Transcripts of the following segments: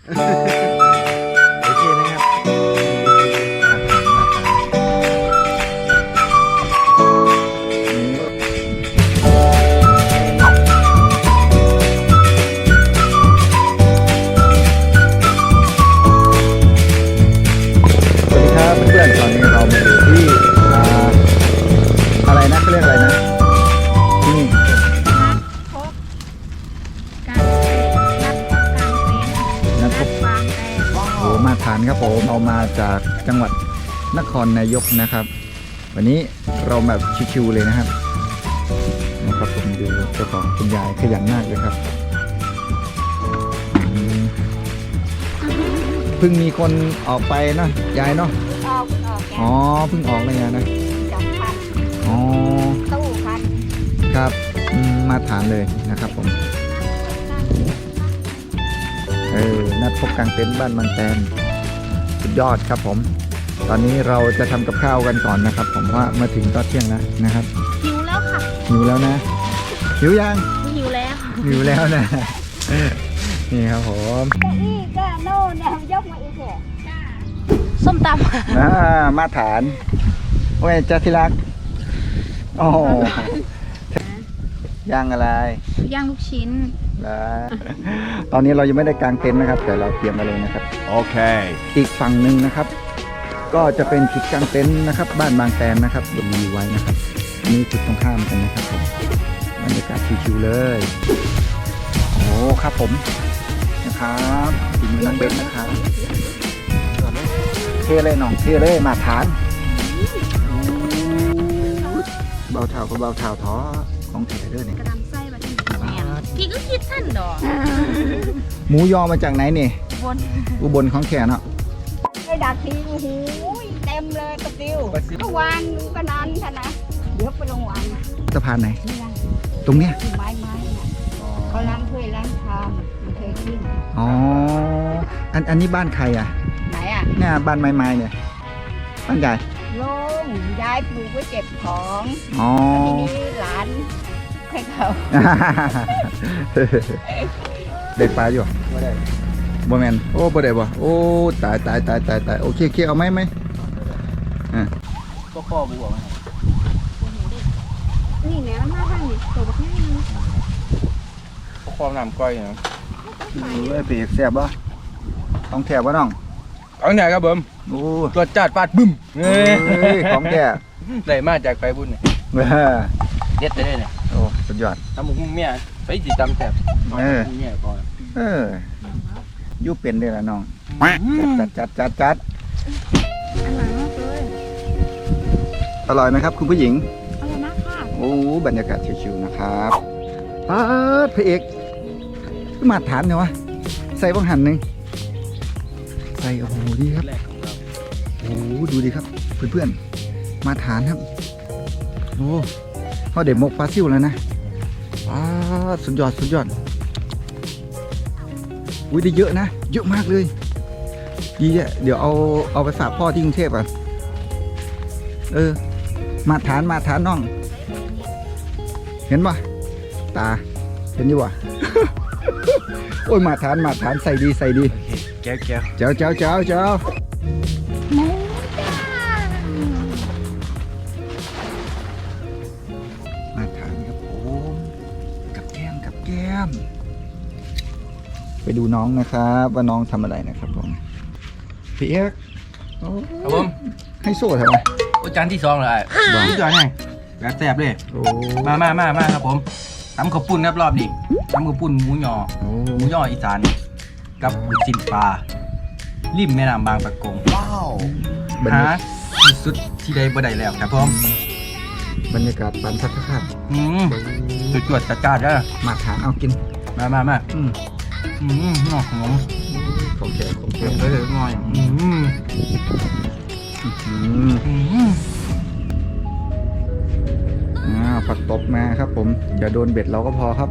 โอเคนะครับสวัสดีครับเพื่อนๆตอนนี้เรามาอยู่ที่อะไรนะเขาเรียกอะไรนะที่นี่พบการนัดพบการเต้นนัดบางแตโอ้มาฐานครับผมเอามาจากจังหวัดนครนายกนะครับ วันนี้เราแบบชิวๆเลยนะครับผมดูเจ้าของคุณยายขยันมากเลยครับเพิ่งมีคนออกไปเนาะยายเนาะออกอ๋อเพิ่งออกเลยนะจับพันอ๋อตู้พันครับมาฐานเลยนะครับผมนัดพบกลางเต็นท์บ้านบางแตนสุดยอดครับผม ตอนนี้เราจะทำกับข้าวกันก่อนนะครับ ผมว่ามาถึงตอนเที่ยงแล้วนะครับหิวแล้วค่ะหิวแล้วนะหิวยังหิวแล้วหิวแล้วนะ นี่ครับผมนี่ก็โน่นเนี่ยยกมาอีกแค่ส้มตำมาฐานโอ้ยจ้าที่รักโอ้โหย่างอะไรย่างลูกชิ้นนะตอนนี้เรายังไม่ได้กางเต็นท์นะครับ แต่เราเตรียมมาเลยนะครับโอเคอีกฝั่งหนึ่งนะครับ ก็จะเป็นจุดกางเต็นท์นะครับ บ้านบางแตนนะครับมีไว้นะครับนี่จุดตรงข้ามกันนะครับผมบรรยากาศชิวๆเลยโอ้ครับผมนะครับถึงน้องเบนนะครับเท่เลยน้องเท่เลยมาฐานเบาเท้าก็เบาเท้าท้อของเถเด้อเนี่ยกระดำไส้มาที่พี่ก็คิดท่านดอกหมูยอมาจากไหนนี่บนอุบลของแขนเนาะไอ้ดักทีโอ้โหเต็มเลยตะกิ้วเมื่อวานก็นานท่านนะเดี๋ยวไปลงวันสะพานไหนนี่นะตรงเนี้ยไม้น่ะเขาล้างถ้วยล้างชามมันเคยขึ้นอ๋ออันนี้บ้านใครอ่ะไหนอ่ะเนี่ยบ้านไม้ๆเนี่ยบ้านใหญ่ลุงยายปลูกไว้เก็บของอ๋อทีนี้หลานให้เขาเด็กปลาอยู่บ่ได้บ่แมนโอ้บ่ได้บ่โอ้ตายโอเคเอาไหมก็ข้อบัวไหมนี่เนี่ยมันมาทางนี้ตัวบักนี่ก็ข้อน้ำก้อยนะเอ้ยเปียกแซ่บบ่ต้องแถบบ่น้องเอาไหนครับผมโอ้ตัวจัดฟาดบึ้มเฮ้ยของแท้ได้มาจากไปบุญเนี่ยเออเด็ดได้เนี่ยโอ้สุดยอดทำมุ้งเมียไปจิตำแสบเมียก่อนอยู่เป็นเด้อล่ะน้องจัดอันหลังมากเลยอร่อยไหมครับคุณผู้หญิงอร่อยมากค่ะโอ้บรรยากาศชิวๆนะครับพระเอกมาฐานเนี่ยวะใส่บังหันหนึ่งใส่โอ้โหดีครับแรกของเราโอ้โหดูดีครับเพื่อนๆมาฐานครับโอ้เขาเด็ดมกปลาซิวแล้วนะสุดยอดอุ้ยได้เยอะนะเยอะมากเลยดีอ่ะเดี๋ยวเอาไปฝากพ่อที่กรุงเทพอ่ะมาฐานน้อง เห็นปะตาเห็นอยู่วะ โอ้ยมาฐานใส่ดีแก้วเจ้าหมูจ้ามาฐานครับผมกับแก้มไปดูน้องนะครับว่าน้องทำอะไรนะครับผมพี่เอ็กโอ้ครับผมให้โซ่ทำไมโอ้จานที่2เลยนี่ตัวไงแบบแสบเลยโอ้มาครับผมตำข้าวปุ้นครับรอบนี้ตำข้าวปุ้นหมูยอโอ้หมูยออีสานกับลูกชิ้นปลาริมแม่น้ำบางปะกงบรรหายากาศที่สุดที่ใดบ่ได้แล้วครับผมบรรยากาศปันพักครับจวดจัดๆเด้อมาฐานเอากินมาอืมหอมของแกเพิ่มเลยหน่อยผักตบมาครับผมอย่าโดนเบ็ดเราก็พอครับ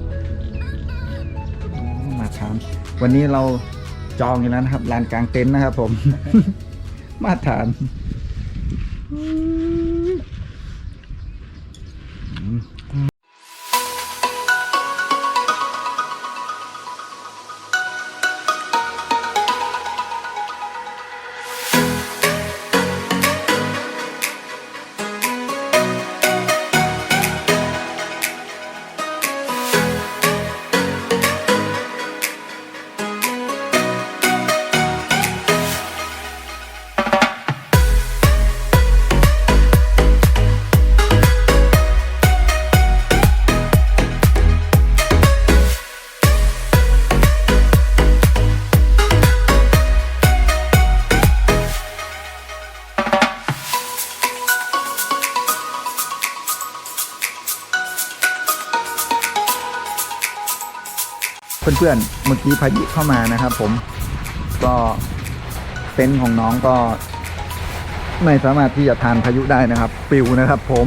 มาทานวันนี้เราจองอยู่แล้วนะครับลานกลางเต็นท์นะครับผม มาทานเพื่อนๆเมื่อกี้พายุเข้ามานะครับ ผมก็เต็นท์ของน้องก็ไม่สามารถที่จะทานพายุได้นะครับปลิวนะครับ ผม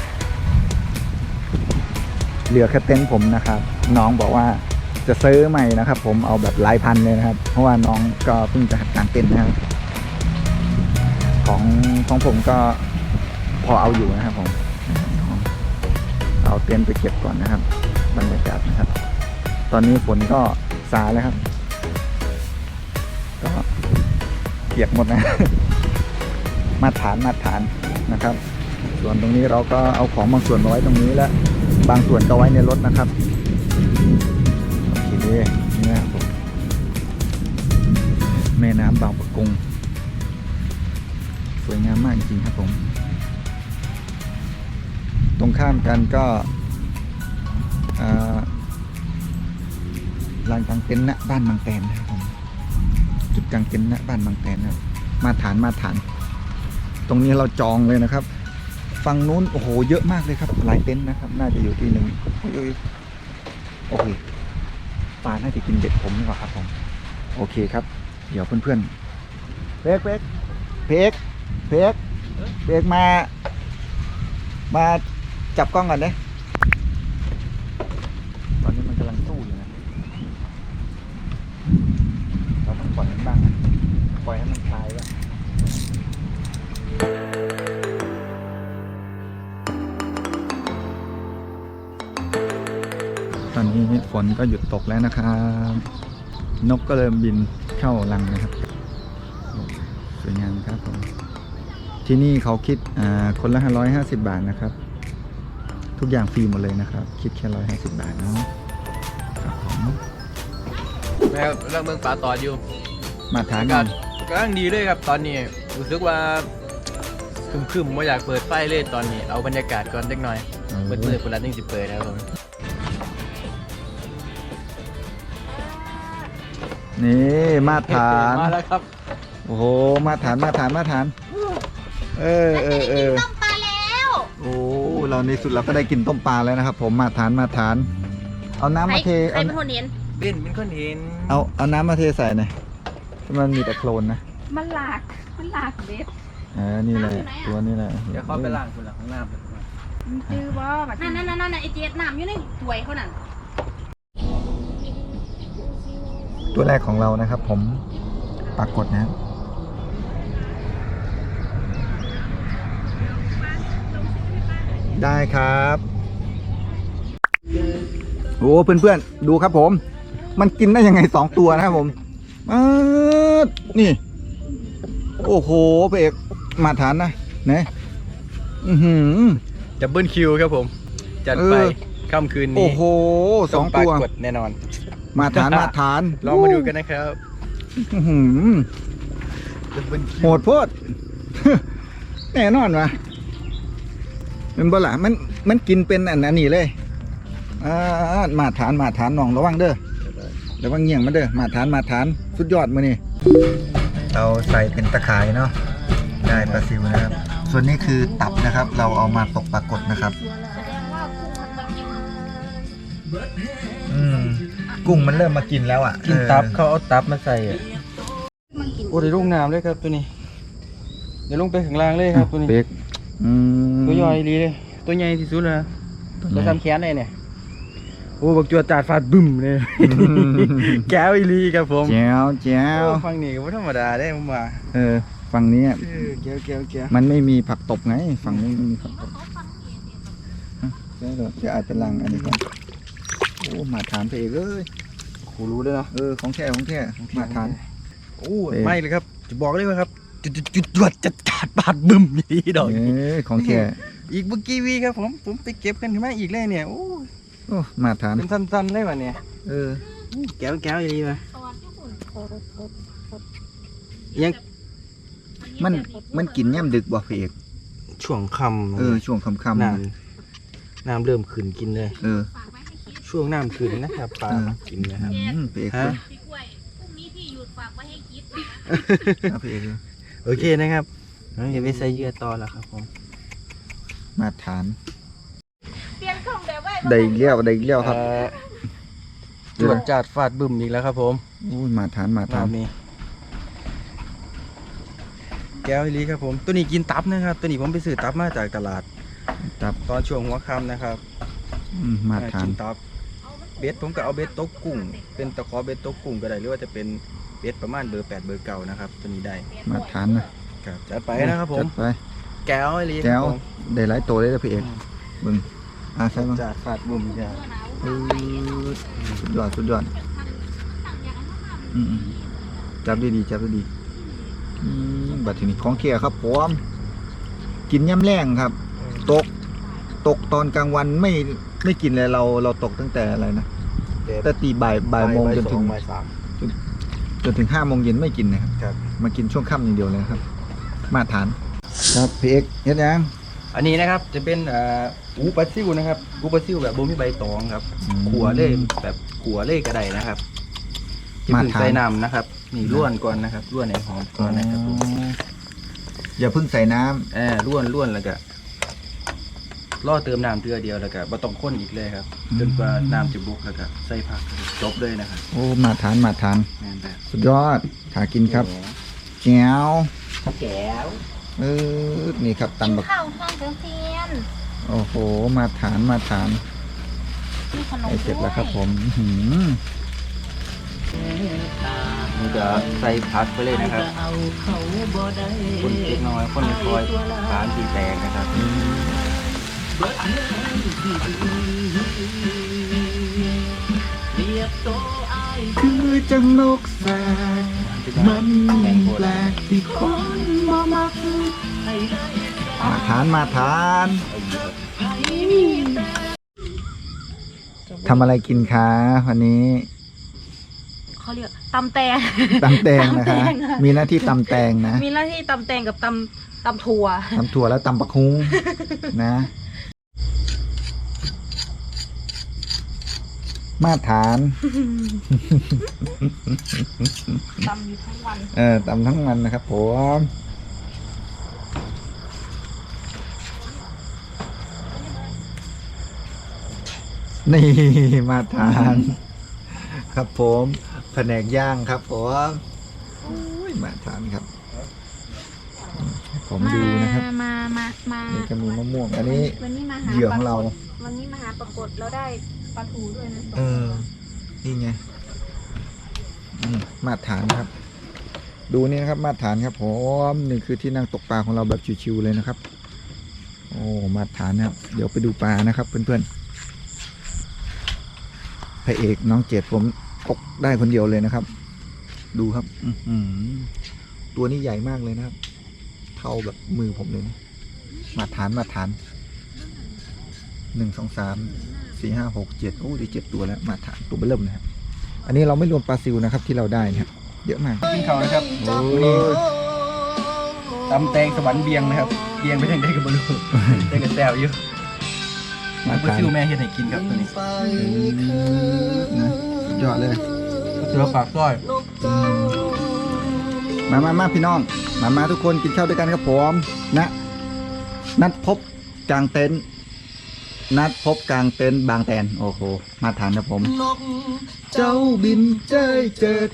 เหลือแค่เต็นท์ผมนะครับ น้องบอกว่าจะซื้อใหม่นะครับ ผมเอาแบบหลายพันเลยนะครับ เพราะว่าน้องก็เพิ่งจะหัดกางเต็นท์นะครับของผมก็พอเอาอยู่นะครับผมเอาเต็นท์ไปเก็บก่อนนะครับบรรยากาศนะครับ ตอนนี้ฝนก็ซาแล้วครับก็เปียกหมดนะ มาตรฐานนะครับ ส่วนตรงนี้เราก็เอาของบางส่วนมาไว้ตรงนี้แล้วบางส่วนก็ไว้ในรถนะครับโอเคนี่นะครับผมแม่น้ำบางปะกงสวยงามมากจริงๆครับผมตรงข้ามกันก็ลานกางเต็นท์ณบ้านบางแตนนะครับผมจุดกางเต็นท์ณบ้านบางแตนนะครับมาตรฐานตรงนี้เราจองเลยนะครับฝั่งนู้นโอ้โหเยอะมากเลยครับหลายเต็นท์นะครับน่าจะอยู่ที่หนึ่งโอเคปลาน่าจะกินเบ็ดผมดีกว่าครับผมโอเคครับเดี๋ยวเพื่อนๆเพกมาจับกล้องก่อนเนี่ยตอนนี้มันกำลังสู้อยู่นะเราต้องปล่อยมันบ้างนะปล่อยให้มันคลายแล้วตอนนี้ฝนก็หยุดตกแล้วนะครับนกก็เริ่มบินเข้ารังนะครับสวยงามครับผมที่นี่เขาคิดคนละ150 บาทนะครับทุกอย่างฟรีหมดเลยนะครับคิดแค่150 บาทเนาะครับผมแม่เรื่องเมืองป่าต่ออยู่มาทานกำลังดีเลยครับตอนนี้รู้สึกว่าคึมๆว่าอยากเปิดไฟเลยตอนนี้เอาบรรยากาศก่อนเล็กน้อยเปิดมือคนละ1 10เปิดนะครับผมนี่มาทานมาแล้วครับโอ้โหมาทานเออต้มปลาแล้วโอ้เราในสุดเราก็ได้กินต้มปลาแล้วนะครับ ผมมาทานเอาน้ำมาเทใครเป็นคนเห็นเป็นคนเห็นเอาน้ำมาเทใส่หน่อยมันมีแต่โคลนนะมันหลากเบ็ดนี่แหละตัวนี้แหละเดี๋ยวเข้าไปล้างคนละข้างหน้าไปมันจื้อบ่แบบนั่นไอเจี๊ยบน้ำอยู่ในถ้วยเขานั่นตัวแรกของเรานะครับ ผมปรากฏนะได้ครับโอ้เพื่อนๆดูครับผมมันกินได้ยังไง2 ตัวนะครับผมนี่โอ้โหพระเอกมาทานนะเนี่ยดับเบิลคิวครับผมจัดไปค่ำคืนนี้โอ้โห2 ตัวกดแน่นอนมาทานลองมาดูกันนะครับโหดโพด แน่นอนวะเป็นบ่ล่ะมันกินเป็นอันนี้เลยมาทานน้องระวังเด้อระวังเงี้ยงมาเด้อมาทานสุดยอดมื้อนี้เราใส่เป็นตะข่ายเนาะได้ปลาซิวนะครับส่วนนี้คือตับนะครับเราเอามาตกปรากฏนะครับกุ้งมันเริ่มมากินแล้วอ่ะกินตับเขาเอาตับมาใส่โอ้ได้ลงน้ำเลยครับตัวนี้เดี๋ยวลงไปข้างล่างเลยครับตัวนี้ตัวย่อยดีเลยตัวใหญ่ที่สุดเลยตัวทำแขนเลยเนี่ยโอ้บักจัวจาดฟาดบึ้มเลยแก้วอีลีครับผมแก้วฟังนี่ก็ไม่ธรรมดาได้ผมว่าฝั่งนี้แก้วมันไม่มีผักตบไงฝั่งนี้ไม่มีผักตบจะอาจเป็นรังอันนี้ก่อนโอ้มาทานไปเองเลยโหรู้เลยเนาะของแท้มาทานโอ้ไม่เลยครับจะบอกเลยว่าครับจุดจัดการบาดบึ้มนี่ดอกของแท้อีกเมื่อกี้วีครับผมไปเก็บกันถึงแม่อีกเลยเนี่ยโอ้มาทานเป็นสั้นๆได้ป่ะเนี่ยแก้วอย่างนี้ป่ะยังมันกินย่ำดึกบ่พี่เอกช่วงค่ำช่วงค่ำน้ำเริ่มขึ้นกินเลยช่วงน้ำขึ้นนะครับปลากินนะครับพี่เอกโอเคนะครับอย่าไปใส่เยื่อต่อแล้วครับผมมาทานได้เลี้ยวครับจวดจัดฟาดบึ้มอีกแล้วครับผมอู้มาทานมาทานนี่แก้วอีหลีครับผมตัวนี้กินตับนะครับตัวนี้ผมไปซื้อตับมาจากตลาดตับตอนช่วงหัวค่ำนะครับมาทานกินตับเบ็ดผมก็เอาเบ็ดตกกุ้งเป็นตะขอเบ็ดตกกุ้งก็ได้หรือว่าจะเป็นเบ็ดประมาณเบอร์8เบอร์9นะครับตัวนี้ได้มาทานนะครับจัดไปนะครับผมจัดไปแก้วอีหลีแก้วครับผมได้หลายตัวเลยนะพี่เอกบึงใช่ไหมจัดฟาดบึ้มจ้ะสุดยอดสุดยอดอืมจับดีๆจับดีๆบัดทีนี้ของเคียครับผมกินย่ำแรงครับ ตกตอนกลางวันไม่กินเลยเราตกตั้งแต่อะไรนะแต่ตีบ่ายโมงจนถึงบ่ายสามจนถึง5 โมงเย็นไม่กินนะครับครับมากินช่วงค่ำอย่างเดียวเลยครับ มาทานครับพี่เอกเฮ็ดยังอันนี้นะครับจะเป็นอูปลาซิวนะครับอูปลาซิวแบบบ่มีใบตองครับขัวเล่แบบขัวเล่กระไดนะครับจะพึ่งใส่น้ำนะครับนี่ล้วนก่อนนะครับล้วนให้หอมก่อนนะครับผมอย่าเพิ่งใส่น้ล้วนแล้วก็ล่อเติมน้ำเตือเดียวแล้วก็บ่ต้องข้นอีกเลยครับจนกว่าน้ำจะบุกแล้วก็ใส่ผักจบเลยนะครับำโอ้มาทานแม่นแบบสุดยอดหากินครับแจ๋วแก้วนี่ครับตำบักข้าวทอดกระเทียมโอ้โหมาทานมีขนมไอเสร็จแล้วครับผมนี่จะใส่ผักไปเลยนะครับคนเล็กน้อยคนไม่คอยทานสีแตกนะครับคือจังนกแสกมันแปลกที่คนมามักมาทานทำอะไรกินคะวันนี้เขาเรียกตำแตงตำแตงนะคะตำแตงอะมีหน้าที่ตำแตงนะมีหน้าที่ตำแตงกับตำถั่วตำถั่วแล้วตำปักฮุ้งนะ มาทานตำอยู่ทั้งวันตำทั้งวันนะครับผมนี่มาทาน ครับผมแผนกย่างครับผมอุ้ยมาทานครับ ผมดูนะครับมานี่ก็มีมะม่วง อันนี้วันนี้มาหาเหยื่อของเราวันนี้มาหาปรากฏเราได้ปลาทูด้วยนะนี่ไงมาตรฐานครับ ดูนี่นะครับมาตรฐานครับผมนี่คือที่นั่งตกปลาของเราแบบชิวๆเลยนะครับ โอ้มาตรฐานนะครับ เดี๋ยวไปดูปลานะครับเพื่อนๆพระเอกน้องเจดผมตกได้คนเดียวเลยนะครับ ดูครับตัวนี้ใหญ่มากเลยนะครับ เท่าแบบมือผมเลยนะมาตรฐาน1 2 3 4 5 6 7โอ้ดี7 ตัวแล้วมาตรฐานตัวเบิ่มนะครับ อันนี้เราไม่รวมปลาซิวนะครับที่เราได้นะครับเยอะมากกินเขานะครับโอ้นี่ตำแตงสวรรค์เบียงนะครับเบียงไปทางใดกับบลูได้กับแซวอยู่มามาทานซิวแม่เฮ็ดให้กินครับตัวนี้นะสุดยอดเลยเสือปากก้อยมาพี่น้องมาทุกคนกินข้าวด้วยกันครับผมนะนัดพบกลางเต็นท์บางแตนโอ้โหมาทานครับผมเจ้าบินเจ้ยเจิด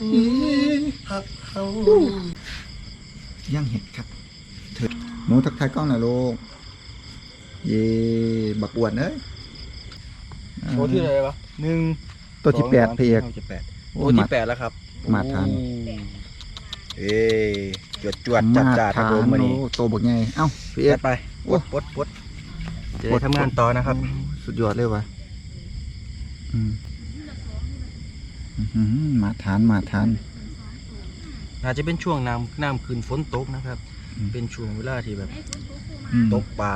ย่างเห็ดครับเถิดหนูทักทายกล้องหน่อยลูกเย่บักอวดเอ้ยโอ้ที่อะไรวะตัวที่8พี่เอกโอ้ที่8แล้วครับมาทานจวดจัดครับผมวันนี้โตบักไงเอ้าพี่เอกไปปดจะได้ทำงานต่อนะครับสุดยอดเลยวะมาทานอาจจะเป็นช่วงน้ำคืนฝนตกนะครับ เป็นช่วงเวลาที่แบบตกปลา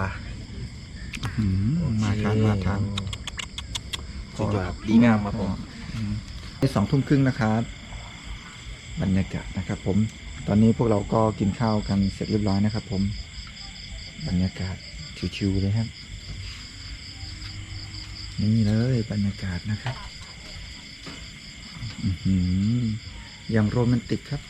มาทานสุดยอดดีงามครับผม 2 ทุ่มครึ่งนะครับบรรยากาศนะครับผมตอนนี้พวกเราก็กินข้าวกันเสร็จเรียบร้อยนะครับผมบรรยากาศชิวๆเลยครับนี่เลยบรรยากาศนะครับอย่างโรแมนติกครับ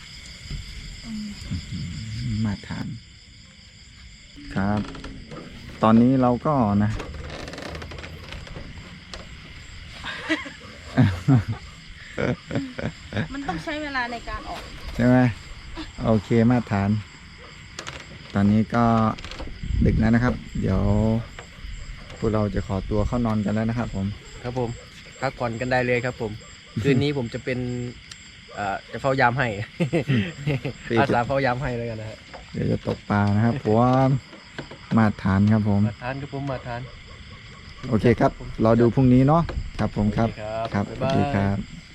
มาทานครับ ตอนนี้เราก็นะมันต้องใช้เวลาในการออกใช่ไหมโอเคมาตรฐาน ตอนนี้ก็ดึกแล้วนะครับ เดี๋ยวพวกเราจะขอตัวเข้านอนกันแล้วนะครับผมครับผมพักผ่อนกันได้เลยครับผม คืนนี้ผมจะเป็นจะเฝ้ายามให้ อาสาเฝ้ายามให้แล้วกันนะฮะเดี๋ยวจะตกปลานะครับเพราะว่ามาตรฐานครับผมมาทานครับผมมาทานโอเคครับ รอดูพรุ่งนี้เนาะครับผมครับ ครับบ๊ายสบายวัสดีครับ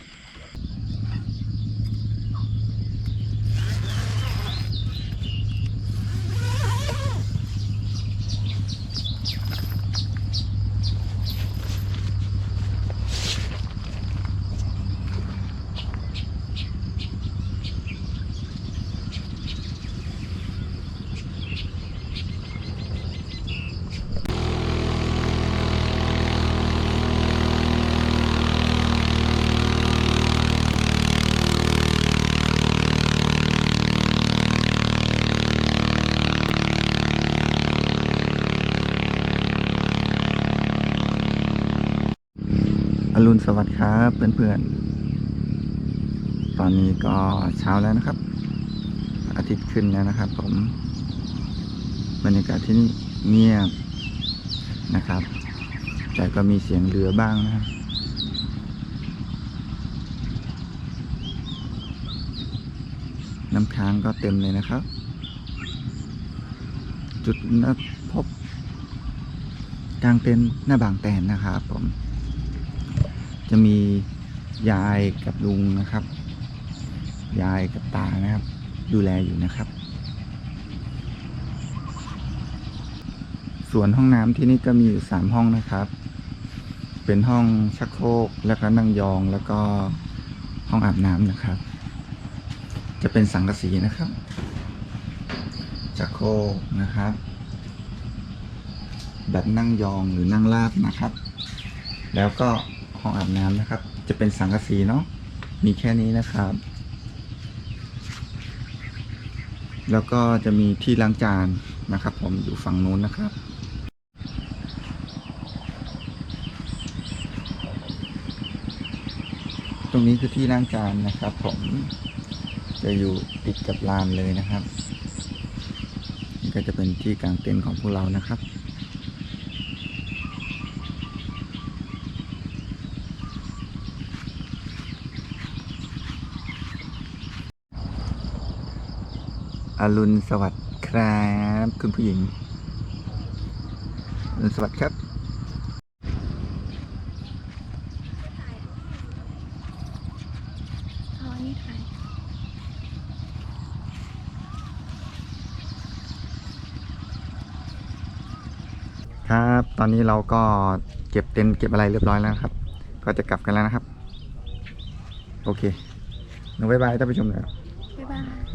อรุณสวัสดิ์ครับเพื่อนๆ ตอนนี้ก็เช้าแล้วนะครับ อาทิตย์ขึ้นแล้วนะครับผมบรรยากาศที่นี่เงียบนะครับ แต่ก็มีเสียงเรือบ้างนะครับน้ำค้างก็เต็มเลยนะครับ จุดนัดพบกลางเต็นท์หน้าบางแตนนะครับผมจะมียายกับลุงนะครับ ยายกับตานะครับ ดูแลอยู่นะครับ ส่วนห้องน้ำที่นี่ก็มีอยู่3ห้องนะครับ เป็นห้องชักโครกแล้วก็นั่งยองแล้วก็ห้องอาบน้ำนะครับ จะเป็นสังกะสีนะครับชักโครกนะครับ แบบนั่งยองหรือนั่งราบนะครับ แล้วก็ห้องอาบน้ำนะครับ จะเป็นสังกะสีเนาะมีแค่นี้นะครับ แล้วก็จะมีที่ล้างจานนะครับผมอยู่ฝั่งนู้นนะครับ ตรงนี้คือที่ล้างจานนะครับผมจะอยู่ติดกับลานเลยนะครับนี่ก็จะเป็นที่กางเต็นท์ของพวกเรานะครับอรุณสวัสดิ์ครับคุณผู้หญิงอรุณสวัสดิ์ครับครับ ตอนนี้เราก็เก็บเต็นท์เก็บอะไรเรียบร้อยแล้วครับ ก็จะกลับกันแล้วนะครับ โอเคหนูบ๊ายบายท่านผู้ชมหน่อยบ๊ายบาย